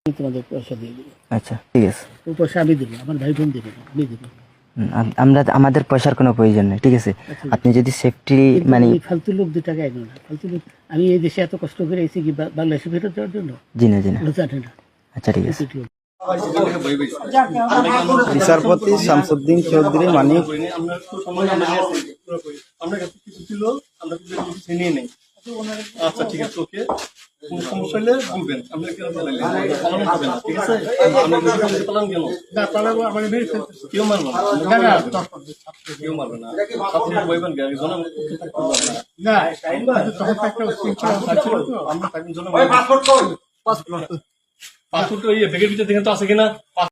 তোমাদের পয়সা দিয়ে দেবো। আচ্ছা ঠিক আছে, ও পয়সা আমি দেবো, আমার ভাই বোন দেবে না, আমি দেবো। আমরা আমাদের পয়সার কোনো প্রয়োজন নেই, ঠিক আছে। আচ্ছা, আপনি যদি সেফটি কিন্তু মানে এই ফালতু লোক 2 টাকা এনো না, ফালতু লোক। আমি এই দেশে এত কষ্ট করে এসেছি কি বাংলাদেশে ফেরত যাওয়ার জন্য? জি না জি না। জানে না। আচ্ছা ঠিক আছে। বিচারপতি শামসুদ্দিন চৌধুরী মানিক আমরা কাছে কিছু ছিল, আমরা কিছু নিয়ে নেই। আচ্ছা ঠিক আছে, ওকে। কোনো সমস্যা হলে বলবেন, আমরা কেন পালাইলে পালানো হবে না, ঠিক আছে। আমরা পালান কেন না পালাবো, আমাদের মেরে ফেলতে কেউ মারবে না, কেউ মারবে না। ছাত্রীরা বইবেন গাড়ি জন না তখন একটা আমরা তাকে জন পাসপোর্ট ওই ব্যাগের ভিতরে দেখেন তো আছে কিনা।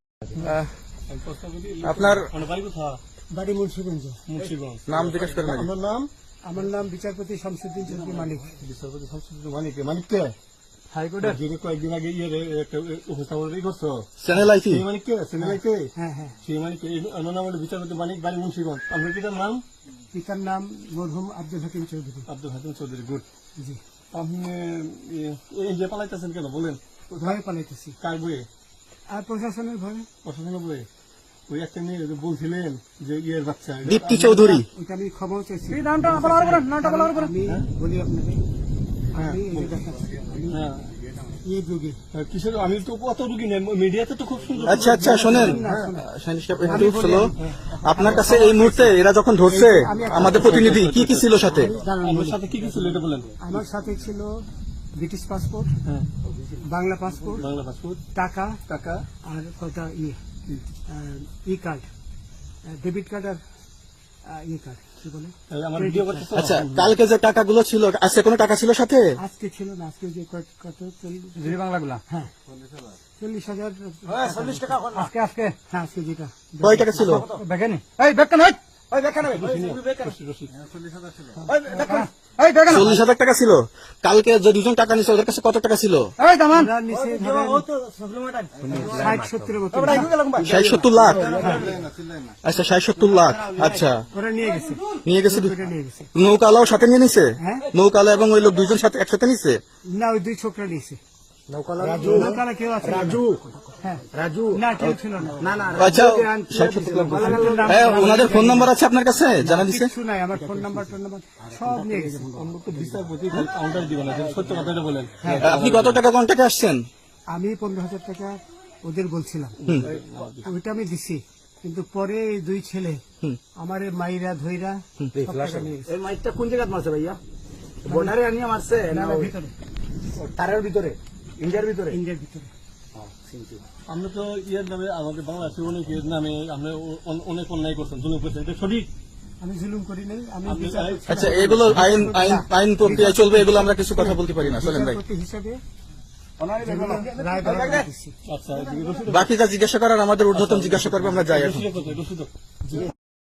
আপনার বাড়ি কোথায়? বাড়ি মুন্সিগঞ্জ। মুন্সিগঞ্জ। নাম জিজ্ঞেস করেন। আপনার নাম? আমার নাম বিচারপতি শামসুদ্দিন চৌধুরী মানিক। বিচারপতি শামসুদ্দিন মানিক। মানিক কে? হাইকোর্টের যিনি কয়েকদিন আগে একটা উপস্থাপন করছো চ্যানেল আইসি সেই মানিক কে? চ্যানেল কে? হ্যাঁ হ্যাঁ। সেই মানিক অন্য নাম হলো বিচারপতি মানিক, বাড়ি মুন্সিগঞ্জ। আপনার পিতার নাম? পিতার নাম মরহুম আব্দুল হাকিম চৌধুরী। আব্দুল হাকিম চৌধুরী। গুড। জি। আপনি এই যে পালাইতেছেন কেন বলেন? ভয়ে পালাইতেছি। কার বইয়ে? আর প্রশাসনের ভয়ে। প্রশাসনের বইয়ে? ওই একটা মেয়ে বলছিলেন যে ইয়ের বাচ্চা দীপ্তি চৌধুরী। ওইটা আমি খবর চাইছি। নামটা আমি বলি আপনাকে, হ্যাঁ, আমি এই যে দেখাচ্ছি, আমি হ্যাঁ। এই যুগে কিসের? আমি তো কত রুগী নেই, মিডিয়াতে তো খুব সুন্দর। আচ্ছা আচ্ছা শোনেন, একটু স্লো। আপনার কাছে এই মুহূর্তে এরা যখন ধরছে আমাদের প্রতিনিধি কি কি ছিল সাথে? আমার সাথে কি কি ছিল এটা বলেন। আমার সাথে ছিল ব্রিটিশ পাসপোর্ট, হ্যাঁ, বাংলা পাসপোর্ট, বাংলা পাসপোর্ট, টাকা টাকা, আর কটা ই কার্ড, ডেবিট কার্ড আর ই কার্ড, কি বলে? আমার ভিডিও করতে। আচ্ছা, কালকে যে টাকাগুলো ছিল, আজকে কোনো টাকা ছিল সাথে? আজকে ছিল না, আজকে যে কত 40 বাংলাগুলা। হ্যাঁ 40,000 আজকে আজকে হ্যাঁ আজকে যেটা কয় টাকা ছিল? দেখেনি এই দেখেন ওই দেখেন রশিদ। 40,000 টাকা ছিল। কালকে যে দুজন টাকা নিছে ওদের কাছে কত টাকা ছিল? এই দামান নিচে ধরেন 60-70 মতো 60-70 লাখ। আচ্ছা 60-70 লাখ। আচ্ছা ওরা নিয়ে গেছে, নিয়ে গেছে। ওটা নিয়ে গেছে। নৌকালাও সাথে নিয়ে নিছে? হ্যাঁ। নৌকালা এবং ওই লোক দুইজন সাথে একসাথে নিছে? না ওই 2 ছোকরা নিয়েছে। নৌকালা কেউ আছে? রাজু। হ্যাঁ রাজু। না কেউ ছিল না। না আচ্ছা 60-70 লাখ। হ্যাঁ, ওনাদের ফোন নাম্বার আছে আপনার কাছে? জানা দিছে? কিছু নাই, আমার ফোন নাম্বার সব নিয়ে গেছে। আমরা তো বিচারপতি কাউন্টার দিবেন না, সত্য কথাটা বলেন। আপনি কত টাকা কন্টাক্টে আসছেন? আমি 15,000 টাকা ওদের বলছিলাম, ওইটা আমি দিছি। কিন্তু পরে এই 2 ছেলে আমার মাইরা ধইরা সব টাকা নিয়ে গেছে। এই মাইকটা কোন জায়গায় মারছে ভাইয়া? বর্ডারে আনিয়ে মারছে না না, ভিতরে তারের ভিতরে, ইন্ডিয়ার ভিতরে? ইন্ডিয়ার ভিতরে। আমরা তো ইয়ের নামে আমাদের বাংলাদেশে অনেকের নামে আমরা অনেক অন্যায় করছেন, জুলুম করছেন, এটা সঠিক। আমি জুলুম করি নাই, আমি আপনি বিচারপতি আচ্ছা, এগুলো আইন আইন আইন প্রক্রিয়া চলবে, এগুলো আমরা কিছু কথা বলতে পারি না। চলেন ভাই, হিসাবে রায় বের দিচ্ছি। আচ্ছা, এদিকে রশিদ বাকি যা জিজ্ঞাসা করার আমাদের ঊর্ধ্বতন জিজ্ঞাসা করবে, আমরা যাই এখন। রশিদ